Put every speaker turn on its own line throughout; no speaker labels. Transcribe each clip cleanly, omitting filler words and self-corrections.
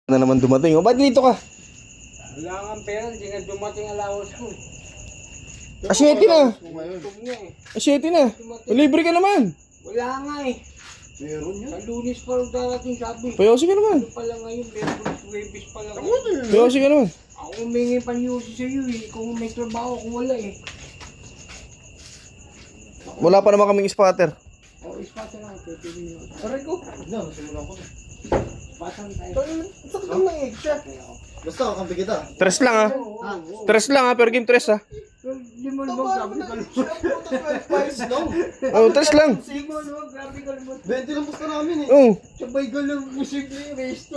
na naman dumating. O, ba't dito ka?
Wala kang pera, hindi nga dumating allowance ko.
Asyete na.
Tug nga eh.
Asyete na. Libre ka naman.
Wala nga eh.
Meron yan.
Sa Lunes pa rin darating sabi.
Payosi ka naman.
Ano pala ngayon, Merkulis, Huwebes pa lang ngayon.
Payosi ka naman.
Ako humingi pa niyo sa iyo eh. Kung may trabaho, kung wala eh.
Wala pa naman kaming spotter.
O, ispasa lang. Pwede nyo. Aray ko.
No, nasimulan ko.
Pasan tayo.
Sakit lang ng egg siya. Basta, kampi kita.
Tres lang ha. Tres lang ha. Per game tres ha.
Limon mo, grabe ka lumot.
Oh, tres lang.
Limon mo, grabe ka lumot.
20 lang pusta namin eh.
Oh.
Sabay ka lang, posible yung resto.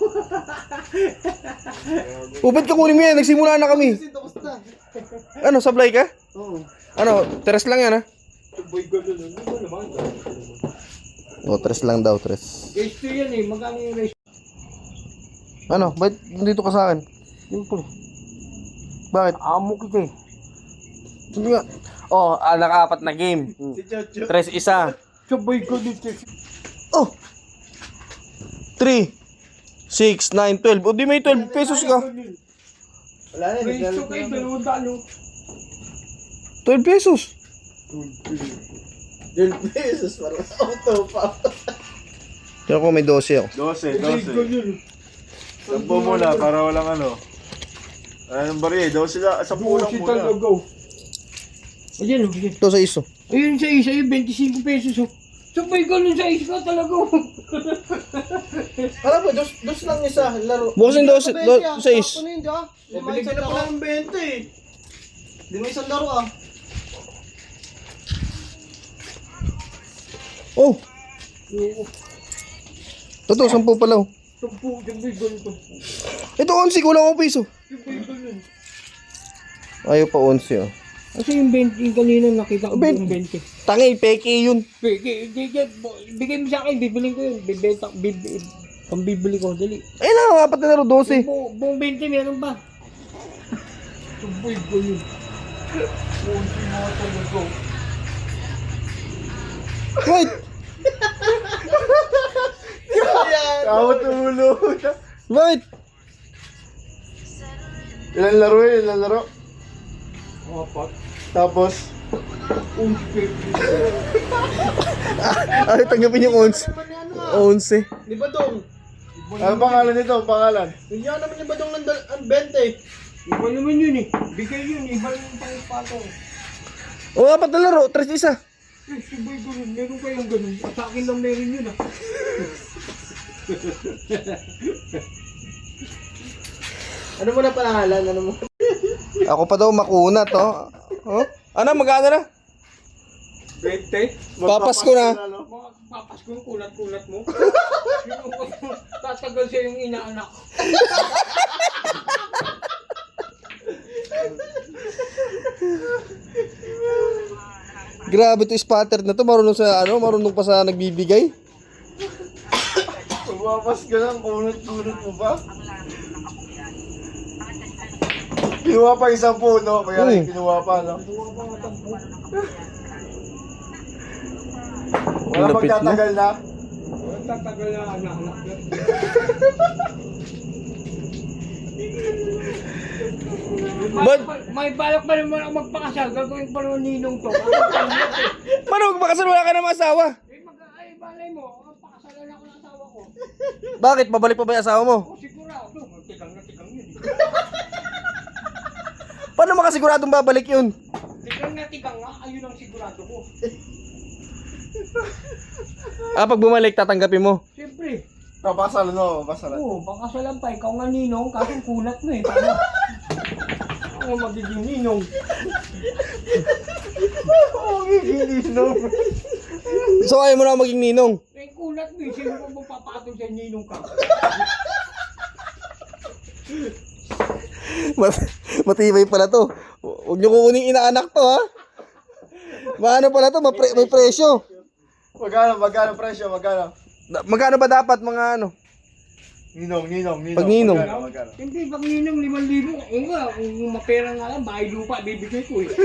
Oh, ba't ka kunin mo yan? Nagsimula na kami.
Kasi tapos na.
Ano, sablay ka?
Oo.
Ano, tres lang yan ha.
Sabay ka lang, ano ba naman?
Oh, tres lang daw, tres.
Resto yan eh, magkano yung resto?
Ano, ba't nandito ka sa akin?
Simple.
Bakit?
Amo kita eh.
Hindi nga. Oh, naka-apat na game.
Si Chocho.
Tres isa.
Sabay ka dito.
Oh! 3, 6, 9, 12. O di may 12 pesos ka.
Wala na,
Resto kayo, dalawang dalo.
12 pesos.
12 pesos para auto pa.
Kaya ko may 12 ako.
12. Sampo muna para walang ano. Anong bari? 12 lang. Sa pulang
Busi
muna.
talaga. Ayan o, ayan.
Ito sa iso.
Ayun sa isa, yung 25 pesos o. Sabay ka nun sa isa talaga o.
Alam mo, dos lang isa, laro.
Bukas yung 12, 6.
Ano yun, di ba? Lima isang na pala ng 20 eh. Lima isang laro ah.
Oh! Totoo, 10 pala oh.
Sabay ganito.
Ito 11, kulang ako piso.
Sabay ganun.
Ayaw pa 11 oh.
Kasi yung 20, yung kanina nakita ko yung 20.
Tangi, peke yun.
Bigay mo sa akin, bibiling ko yun. Pambibili ko, dali.
Ayun na, apat na laro, 12.
Buong 20 meron ba? Sabay ganun. Buong mga talaga.
Wait!
Kawat ulo.
Wait!
Ilan laro eh? Ilan laro?
Apat.
Tapos,
Ay, tanggapin yung 11. 11.
Di ba dong?
ano pangalan nito? Pangalan?
Hindi naman yung badong ng 20.
Iba naman yun eh. Bigay yun, iba yung pangipatong.
Oh, apat na laro, 3 isa.
Eh, sabay ganun. Meron kayong ganun. At sa akin lang meron yun ah.
Ano mo na pangalan? Ano mo?
Ako pa daw makunat, oh. Oh? Ano, magkano na?
20?
Papasko na.
Mga papas ko yung kulat-kulat mo. Tatagal siya yung inaanak.
Grabe to spotter na to, marunong sa ano, marunong pa sa nagbibigay.
Pumapas ka lang. Kunot-kunot mo ba? Kinuha pa isang puno. Kaya rin kinuha pa, no? Wala
Lapit na.
magtatagal na.
Tatagal na anak-anak. May balak pa naman ako magpakasal. Gagawin pa naman ninong to.
Paano magpakasal, wala ka na asawa?
Ay, balay mo. Pakasalan ako ng asawa ko.
Bakit? Pabalik pa ba yung asawa mo?
O, sigurado. Tikang na tikang yun.
Paano makasiguradong babalik yun?
Tikang na tikang nga. Ayun ang sigurado ko.
Ah, pag bumalik, tatanggapin mo.
Siyempre.
Papasal, no? Papasal.
Oo, pakasalan pa. Ikaw nga ninong. Kaso kulat mo eh. Paano? Ako magiging ninong.
So, ayaw mo na maging ninong.
Eh, kulat mo eh. Sino mo magpapatol sa ninong ka?
Matibay pala to. Huwag niyo kukunin inaanak to, ha? Maano pala to? May presyo.
Magkano presyo? Magkano?
Magkano ba dapat mga ano?
Ninong.
Pag ninong.
Magkano?
Hindi, pag ninong 5,000. Oo nga, kung mapera nga lang, bahay lupa, bibigay ko eh.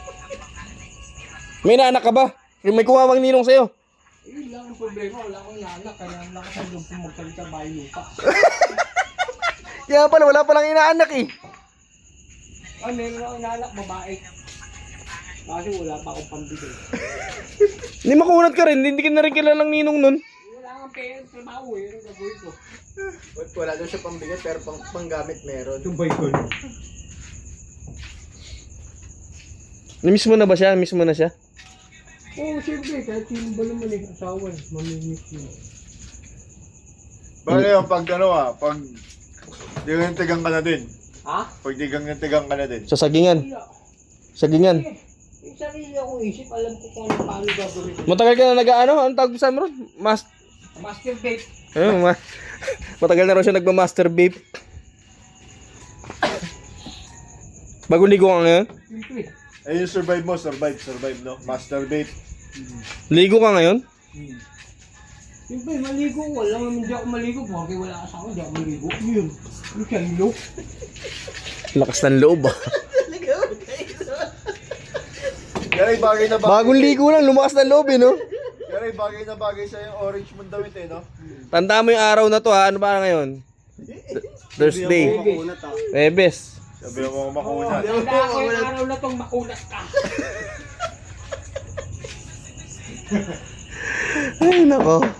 May inaanak ka ba? May kumawang ninong sa'yo.
Eh, lang ang problema. Wala akong anak. Kaya lakas ang loob kong magsalita bahay lupa.
Kaya pala, wala palang inaanak eh.
Ay, meron akong inanak, babae. Kasi wala pa akong pambigay.
Hindi makunat ka rin, hindi ka na rin kilalang ninong nun.
Wala kang pera, trabaho eh. Ano gagawin ko?
Wala daw siya pambigat pero panggamit meron.
Tumbay ko.
Namiss mo na ba siya? Miss mo na siya?
Oo, siyempre. Kahit sino ba naman eh. Asawa eh. Mamimiss mo.
Paano yung pag pag tigang ka na din.
Ha?
Pag tigang ka na din.
Sa sagingan.
Wala.
Sagingan.
Yung sarili akong isip, alam ko kung ano paano gagawin ko.
Matagal ka na nag-ano? Anong tawag sa mo ron?
Master date.
Ayun, matagal na rin siya nagma-masturbate. Bagong ligo ka ngayon?
Siyempre.
Eh yung survive no? Masturbate.
Ligo ka ngayon?
Siyempre, maligo ko. Alam mo, hindi ako maligo. Porque wala asawa, hindi ako maligo. Yun. Yung kailo.
Lakas ng loob ah.
Kaya bagay na bagay.
Bagong ligo lang, lumakas ng loob eh, no?
Kaya bagay na bagay sa yung orange mong damit eh, no?
Tanda mo yung araw na to ha, ano ba ngayon? Thursday. Webes.
Sabi mo makunat.
Tanda ko yung araw na tong makunat ka.
Ay, nako.